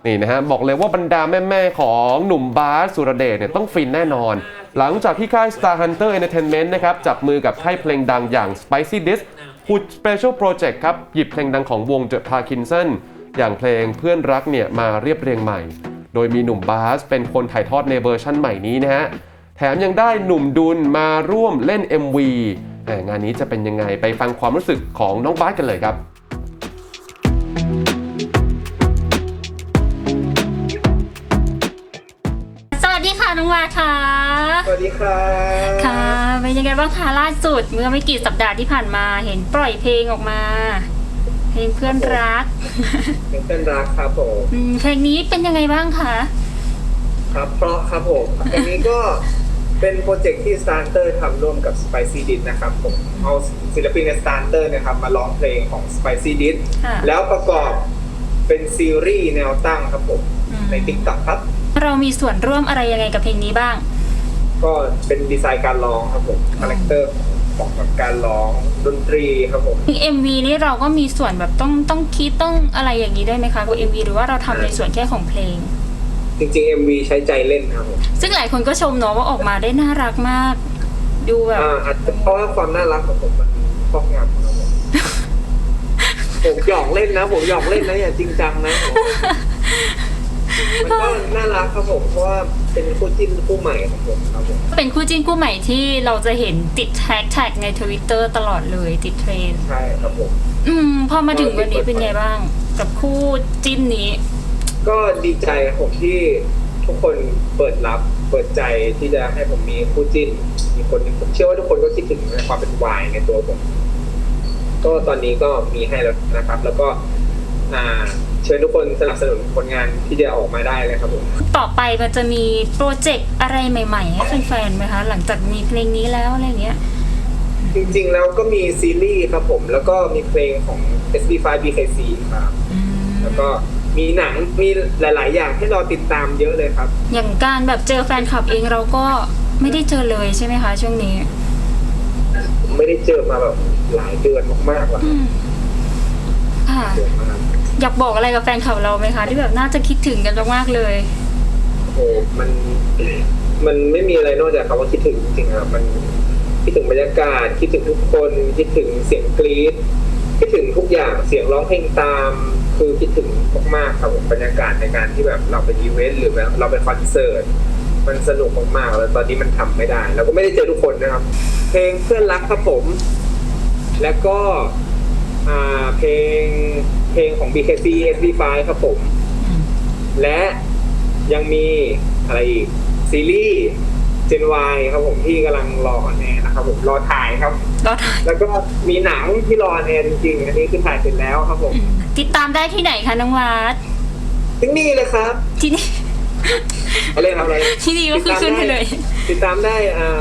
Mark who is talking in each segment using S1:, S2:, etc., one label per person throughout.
S1: นี่นะฮะบอกเลยว่าบรรดาแม่ๆของหนุ่มบาสสุรเดชเนี่ยต้องฟินแน่นอนหลังจากที่ค่าย Star Hunter Entertainment นะครับจับมือกับค่ายเพลงดังอย่าง Spicy Dish พูด Special Project ครับหยิบเพลงดังของวง The Parkinson อย่างเพลงเพื่อนรักเนี่ยมาเรียบเรียงใหม่โดยมีหนุ่มบาสเป็นคนถ่ายทอดในเวอร์ชั่นใหม่นี้นะฮะแถมยังได้หนุ่มดุลมาร่วมเล่น MV งานนี้จะเป็นยังไงไปฟังความรู้สึกของน้องบาสกันเลยครับ
S2: สวัสดีค่ะน้องวาค่ะ
S3: สวัสดีครับ
S2: ค่ะเป็นยังไงบ้างคะล่าสุดเมื่อไม่กี่สัปดาห์ที่ผ่านมาเห็นปล่อยเพลงออกมาเพลงเพื่อนรัก
S3: เพลงเพื่อนรักครับผม
S2: เพลงนี้เป็นยังไงบ้างคะ
S3: ครับเพราะครับผมเพลงนี้ก็เป็นโปรเจกต์ที่ Starter ทำร่วมกับ Spicy Dish นะครับผมเอาศิลปินใน Starter นะครับมาร้องเพลงของ Spicy Dish แล้วประกอบเป็นซีรีส์แนวตั้งครับผมใน TikTok ครับ
S2: เรามีส่วนร่วมอะไรยังไงกับเพลงนี้บ้าง
S3: ก็เป็นดีไซน์การร้องครับผมคาแรคเตอร์ของกับการร้องดนตรีครับผม
S2: MV นี้เราก็มีส่วนแบบต้องคิดต้องอะไรอย่างนี้ด้วยไหมคะกับ MV หรือว่าเราทำในส่วนแค่ของเพลง
S3: จริงๆ MV ใช้ใจเล่นครับผม
S2: ซึ่งหลายคนก็ชมเนาะว่าออกมาได้น่ารักมากดูแบบ
S3: อาจจะเพราะว่าความน่ารักของผมมันครอบงำครับผมผมหยอกเล่นนะอย่าจริงจังนะมันก็น่ารักครับผมเพราะว่าเป็นคู่จิ้นคู่ใหม่ของผมครับผม
S2: เป็นคู่จิ้นคู่ใหม่ที่เราจะเห็นติดแฮชแท็กใน Twitter ตลอดเลยติดเทรนด์
S3: ใช่ครับผม
S2: พอมาถึงวันนี้เป็นไงบ้างกับคู่จิ้นนี้
S3: ก็ดีใจผมที่ทุกคนเปิดใจที่จะให้ผมมีคู่จิ้นมีคนนึงผมเชื่อว่าทุกคนก็คิดถึงความเป็นวายในตัวผมก็ตอนนี้ก็มีให้แล้วนะครับแล้วก็เชิญทุกคนสนับสนุนผลงานที่จะออกมาได้เลยครับผม
S2: ต่อไปมันจะมีโปรเจกต์อะไรใหม่ๆให้แฟนๆไหมคะหลังจากมีเพลงนี้แล้วอะไรเงี้ย
S3: จริงๆแล้วก็มีซีรีส์ครับผมแล้วก็มีเพลงของ SB5 BKC ครับแล้วก็มีหนังมีหลายๆอย่างให้เราติดตามเยอะเลยครับ
S2: อย่างการแบบเจอแฟนคลับเองเราก็ไม่ได้เจอเลยใช่ไหมคะช่วงนี้
S3: ไม่ได้เจอมาแบบหลายเดือนมากๆแล้ว
S2: ค่ะอยากบอกอะไรกับแฟนคลับเราไหมคะที่แบบน่าจะคิดถึงกันมากๆเลย
S3: โอ้มันไม่มีอะไรนอกจากคำว่าคิดถึงจริงๆครับมันคิดถึงบรรยากาศคิดถึงทุกคนคิดถึงเสียงกรี๊ดคิดถึงทุกอย่างเสียงร้องเพลงตามคือคิดถึงมากๆครับผมบรรยากาศในการที่แบบเราเป็นอีเวนต์หรือแบบเราเป็นคอนเสิร์ตมันสนุกมากๆแล้วตอนนี้มันทำไม่ได้แล้วก็ไม่ได้เจอทุกคนนะครับเพลงเพื่อนรักครับผมแล้วก็เพลงของ BKC SB5 ครับผมและยังมีอะไรอีกซีรีส์ Gen Y ครับผมที่กำลังรอออนแอร์นะครับผมรอถ่ายครับแล้วก็มีหนังที่รอออนแอร์จริงๆอันนี้คือถ่ายเสร็จแล้วครับผม
S2: ติดตามได้ที่ไหนคะน้องวัด
S3: ที่นี่เลยครับ
S2: ที่นี่
S3: อะไรทำอะไร
S2: ที่นี่ก็คือขึ้นไปเลย
S3: ติดตามได้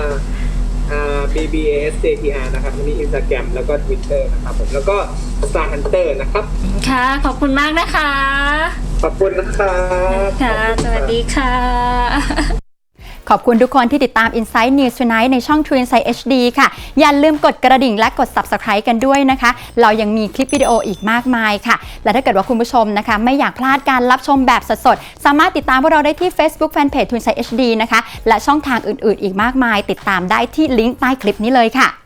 S3: BBS JTR นะครับที่ Instagram แล้วก็ Twitter นะครับผมแล้วก็ Star Hunter นะครับ
S2: ค่ะขอบคุณมากนะคะ
S3: ขอบคุณนะครับ
S2: ค่ะสวัสดีค่ะ
S4: ขอบคุณทุกคนที่ติดตาม Inside News Tonight ในช่อง True Insight HD ค่ะอย่าลืมกดกระดิ่งและกด Subscribe กันด้วยนะคะเรายังมีคลิปวิดีโออีกมากมายค่ะและถ้าเกิดว่าคุณผู้ชมนะคะไม่อยากพลาดการรับชมแบบสดๆสามารถติดตามพวกเราได้ที่ Facebook Fanpage True Insight HD นะคะและช่องทางอื่นๆอีกมากมายติดตามได้ที่ลิงก์ใต้คลิปนี้เลยค่ะ